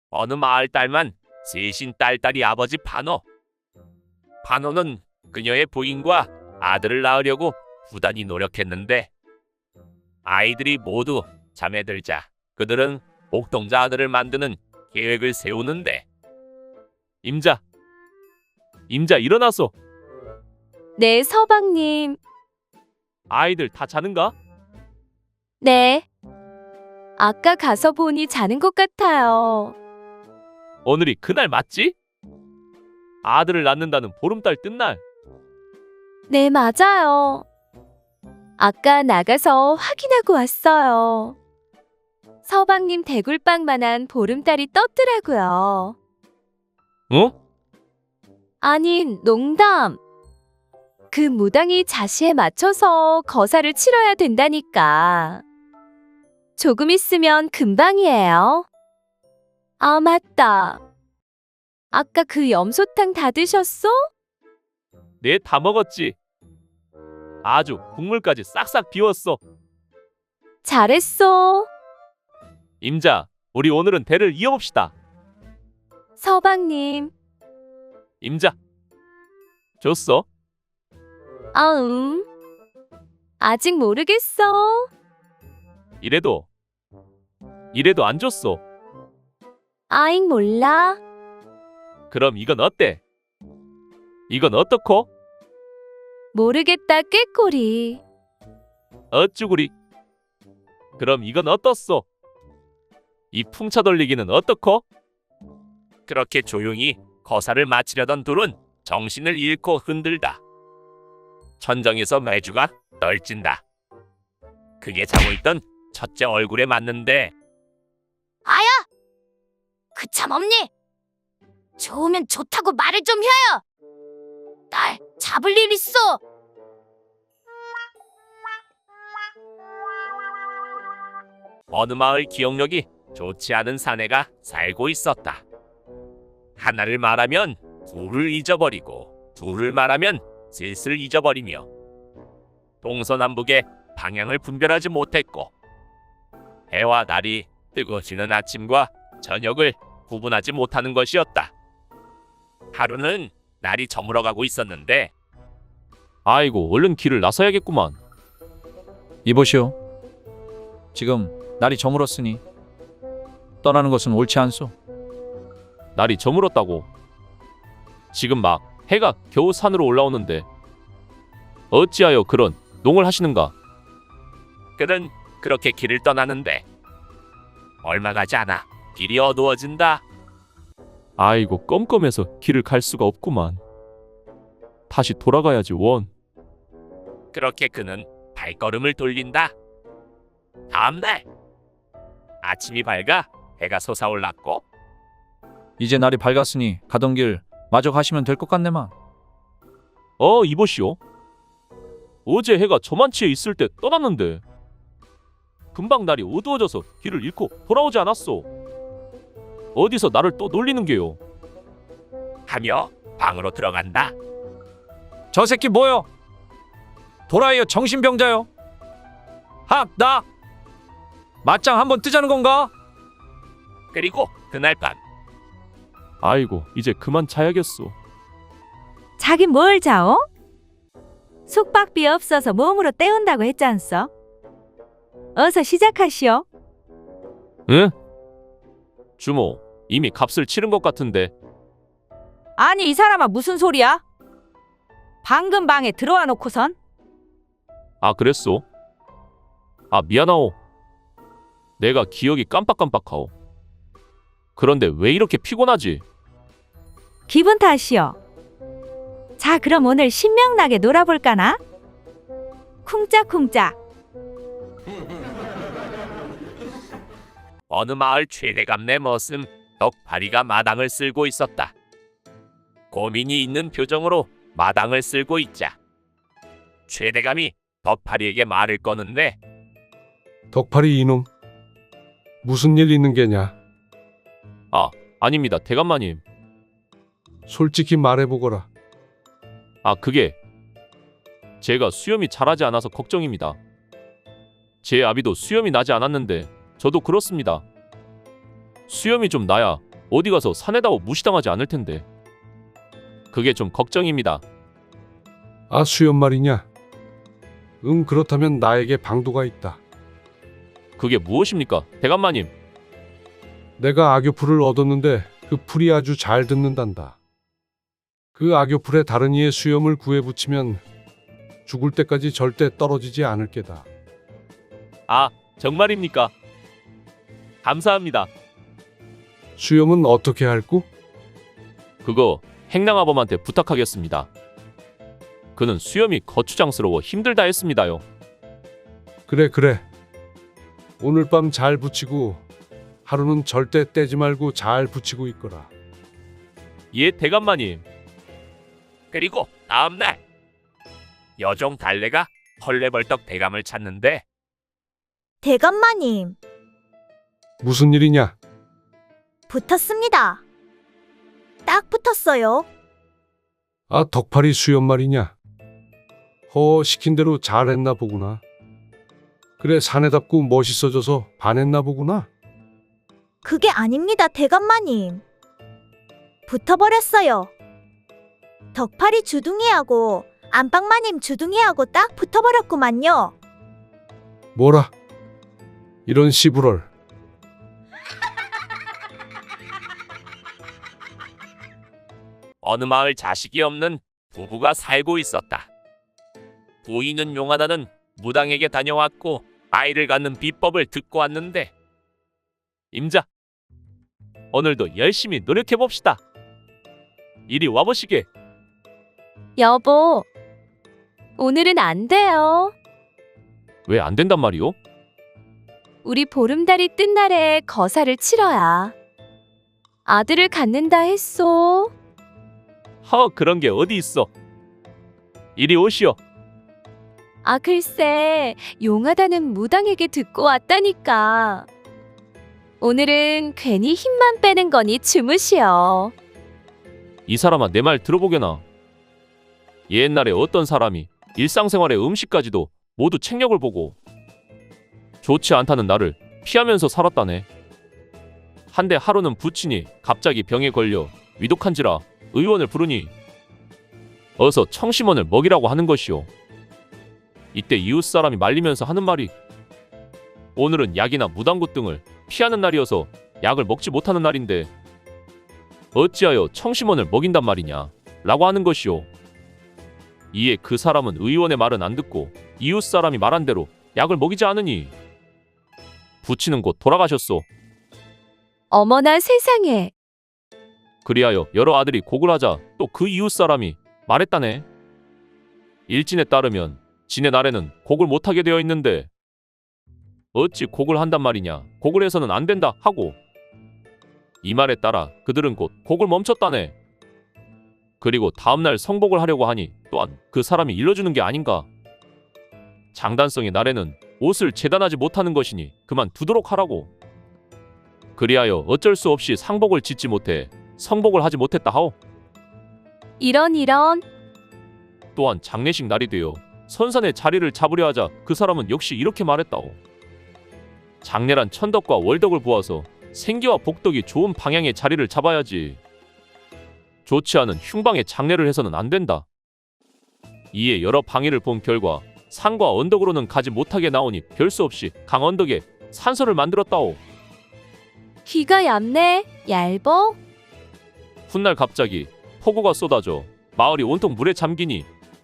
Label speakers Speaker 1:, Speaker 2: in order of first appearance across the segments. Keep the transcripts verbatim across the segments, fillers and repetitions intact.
Speaker 1: 어느 마을 딸만 셋인 딸딸이 아버지 판호. 판호는 그녀의 부인과 아들을 낳으려고 부단히 노력했는데 아이들이 모두 잠에 들자 그들은 옥동자 아들을 만드는 계획을 세우는데 임자, 임자 일어나소.
Speaker 2: 네, 서방님.
Speaker 1: 아이들 다 자는가?
Speaker 2: 네. 아까 가서 보니 자는 것 같아요.
Speaker 1: 오늘이 그날 맞지? 아들을 낳는다는 보름달 뜬 날.
Speaker 2: 네, 맞아요. 아까 나가서 확인하고 왔어요. 서방님 대굴빵만한 보름달이 떴더라고요.
Speaker 1: 어?
Speaker 2: 아니, 농담. 그 무당이 자시에 맞춰서 거사를 치러야 된다니까. 조금 있으면 금방이에요. 아, 맞다. 아까 그 염소탕 다 드셨어?
Speaker 1: 네, 다 먹었지. 아주 국물까지 싹싹 비웠어.
Speaker 2: 잘했어.
Speaker 1: 임자, 우리 오늘은 대를 이어봅시다.
Speaker 2: 서방님.
Speaker 1: 임자. 줬어?
Speaker 2: 아, 음. 아직 모르겠어.
Speaker 1: 이래도 이래도 안 줬어.
Speaker 2: 아잉, 몰라.
Speaker 1: 그럼 이건 어때? 이건 어떻고?
Speaker 2: 모르겠다, 꾀꼬리.
Speaker 1: 어쭈구리. 그럼 이건 어떻소? 이 풍차 돌리기는 어떻고? 그렇게 조용히 거사를 마치려던 둘은 정신을 잃고 흔들다. 천정에서 매주가 떨진다. 그게 자고 있던 첫째 얼굴에 맞는데
Speaker 3: 아야! 그 참 없니? 좋으면 좋다고 말을 좀 해요. 딸 잡을 일 있어.
Speaker 1: 어느 마을 기억력이 좋지 않은 사내가 살고 있었다. 하나를 말하면 둘을 잊어버리고 둘을 말하면 셋을 잊어버리며 동서남북의 방향을 분별하지 못했고 해와 달이 뜨고 지는 아침과 저녁을 구분하지 못하는 것이었다. 하루는 날이 저물어가고 있었는데 아이고 얼른 길을 나서야겠구만.
Speaker 4: 이보시오. 지금 날이 저물었으니 떠나는 것은 옳지 않소.
Speaker 1: 날이 저물었다고? 지금 막 해가 겨우 산으로 올라오는데 어찌하여 그런 농을 하시는가? 그는 그렇게 길을 떠나는데 얼마 가지 않아 길이 어두워진다. 아이고 껌껌해서 길을 갈 수가 없구만. 다시 돌아가야지 원. 그렇게 그는 발걸음을 돌린다. 다음날 아침이 밝아 해가 솟아올랐고
Speaker 4: 이제 날이 밝았으니 가던 길 마저 가시면 될 것 같네만.
Speaker 1: 어 이보시오. 어제 해가 저만치에 있을 때 떠났는데 금방 날이 어두워져서 길을 잃고 돌아오지 않았소. 어디서 나를 또 놀리는 게요? 하며 방으로 들어간다.
Speaker 4: 저 새끼 뭐여? 도라이여 정신병자여. 학 나 맞짱 한번 뜨자는 건가?
Speaker 1: 그리고 그날 밤 아이고 이제 그만 자야겠소.
Speaker 5: 자긴 뭘 자오? 숙박비 없어서 몸으로 때운다고 했잖소. 어서 시작하시오.
Speaker 1: 응? 주모 이미 값을 치른 것 같은데.
Speaker 5: 아니 이 사람아 무슨 소리야? 방금 방에 들어와 놓고선?
Speaker 1: 아 그랬소? 아 미안하오. 내가 기억이 깜빡깜빡하오. 그런데 왜 이렇게 피곤하지?
Speaker 5: 기분 탓이오. 자 그럼 오늘 신명나게 놀아볼까나? 쿵짝쿵짝.
Speaker 1: 어느 마을 최대감네 머슴 덕파리가 마당을 쓸고 있었다. 고민이 있는 표정으로 마당을 쓸고 있자 최대감이 덕파리에게 말을 거는데
Speaker 6: 덕파리 이놈, 무슨 일 있는 게냐?
Speaker 1: 아 아닙니다 대감마님.
Speaker 6: 솔직히 말해보거라.
Speaker 1: 아 그게 제가 수염이 자라지 않아서 걱정입니다. 제 아비도 수염이 나지 않았는데 저도 그렇습니다. 수염이 좀 나야 어디 가서 사내다워 무시당하지 않을 텐데. 그게 좀 걱정입니다.
Speaker 6: 아, 수염 말이냐? 응, 그렇다면 나에게 방도가 있다.
Speaker 1: 그게 무엇입니까, 대감마님?
Speaker 6: 내가 악교풀을 얻었는데 그 풀이 아주 잘 듣는단다. 그 악교풀에 다른 이의 수염을 구해 붙이면 죽을 때까지 절대 떨어지지 않을 게다.
Speaker 1: 아, 정말입니까? 감사합니다.
Speaker 6: 수염은 어떻게 할구?
Speaker 1: 그거 행랑아범한테 부탁하겠습니다. 그는 수염이 거추장스러워 힘들다 했습니다요.
Speaker 6: 그래 그래. 오늘 밤 잘 붙이고 하루는 절대 떼지 말고 잘 붙이고 있거라.
Speaker 1: 예, 대감마님. 그리고 다음날 여종 달래가 헐레벌떡 대감을 찾는데
Speaker 7: 대감마님,
Speaker 6: 무슨 일이냐?
Speaker 7: 붙었습니다. 딱 붙었어요.
Speaker 6: 아, 덕팔이 수염 말이냐? 허, 시킨 대로 잘했나 보구나. 그래, 사내답고 멋있어져서 반했나 보구나.
Speaker 7: 그게 아닙니다, 대감마님. 붙어버렸어요. 덕팔이 주둥이하고 안방마님 주둥이하고 딱 붙어버렸구만요.
Speaker 6: 뭐라? 이런 씨부럴.
Speaker 1: 어느 마을 자식이 없는 부부가 살고 있었다. 부인은 용하다는 무당에게 다녀왔고 아이를 갖는 비법을 듣고 왔는데, 임자, 오늘도 열심히 노력해봅시다. 이리 와보시게.
Speaker 2: 여보, 오늘은 안 돼요.
Speaker 1: 왜 안 된단 말이오?
Speaker 2: 우리 보름달이 뜬 날에 거사를 치러야 아들을 갖는다 했소.
Speaker 1: 허, 그런 게 어디 있어. 이리 오시오.
Speaker 2: 아, 글쎄, 용하다는 무당에게 듣고 왔다니까. 오늘은 괜히 힘만 빼는 거니 주무시오.
Speaker 1: 이 사람아, 내 말 들어보게나. 옛날에 어떤 사람이 일상생활의 음식까지도 모두 책력을 보고 좋지 않다는 나를 피하면서 살았다네. 한데 하루는 부친이 갑자기 병에 걸려 위독한지라 의원을 부르니 어서 청심원을 먹이라고 하는 것이오. 이때 이웃 사람이 말리면서 하는 말이, 오늘은 약이나 무당굿 등을 피하는 날이어서 약을 먹지 못하는 날인데 어찌하여 청심원을 먹인단 말이냐 라고 하는 것이오. 이에 그 사람은 의원의 말은 안 듣고 이웃 사람이 말한 대로 약을 먹이지 않으니 부친은 곧 돌아가셨소.
Speaker 2: 어머나 세상에.
Speaker 1: 그리하여 여러 아들이 곡을 하자 또 그 이웃 사람이 말했다네. 일진에 따르면 진의 날에는 곡을 못하게 되어 있는데 어찌 곡을 한단 말이냐, 곡을 해서는 안 된다 하고, 이 말에 따라 그들은 곧 곡을 멈췄다네. 그리고 다음날 성복을 하려고 하니 또한 그 사람이 일러주는 게 아닌가. 장단성의 날에는 옷을 재단하지 못하는 것이니 그만 두도록 하라고. 그리하여 어쩔 수 없이 상복을 짓지 못해 성복을 하지 못했다 하오.
Speaker 2: 이런 이런.
Speaker 1: 또한 장례식 날이 되어 선산의 자리를 잡으려 하자 그 사람은 역시 이렇게 말했다오. 장례란 천덕과 월덕을 보아서 생기와 복덕이 좋은 방향의 자리를 잡아야지. 좋지 않은 흉방의 장례를 해서는 안 된다. 이에 여러 방해를 본 결과 산과 언덕으로는 가지 못하게 나오니 별 수 없이 강언덕에 산소를 만들었다오.
Speaker 2: 귀가 얇네. 얇어?
Speaker 1: 훗날 갑자기 폭우가 쏟아져 마을이 온통 물에 잠기니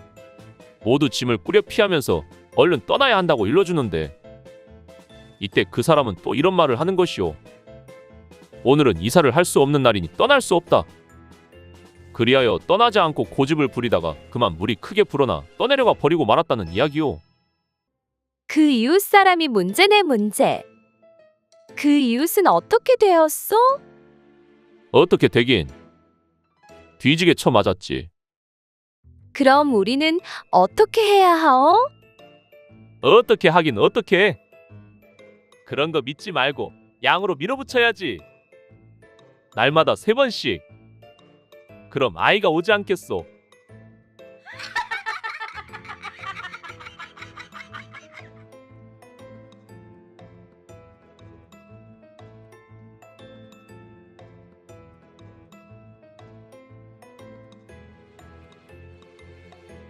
Speaker 1: 모두 짐을 꾸려 피하면서 얼른 떠나야 한다고 일러주는데, 이때 그 사람은 또 이런 말을 하는 것이오. 오늘은 이사를 할 수 없는 날이니 떠날 수 없다. 그리하여 떠나지 않고 고집을 부리다가 그만 물이 크게 불어나 떠내려가 버리고 말았다는 이야기오.
Speaker 2: 그 이웃 사람이 문제네 문제. 그 이웃은 어떻게 되었소?
Speaker 1: 어떻게 되긴. 뒤지게 쳐 맞았지.
Speaker 2: 그럼 우리는 어떻게 해야 하오?
Speaker 1: 어떻게 하긴 어떻게 해. 그런 거 믿지 말고 양으로 밀어붙여야지. 날마다 세 번씩. 그럼 아이가 오지 않겠소.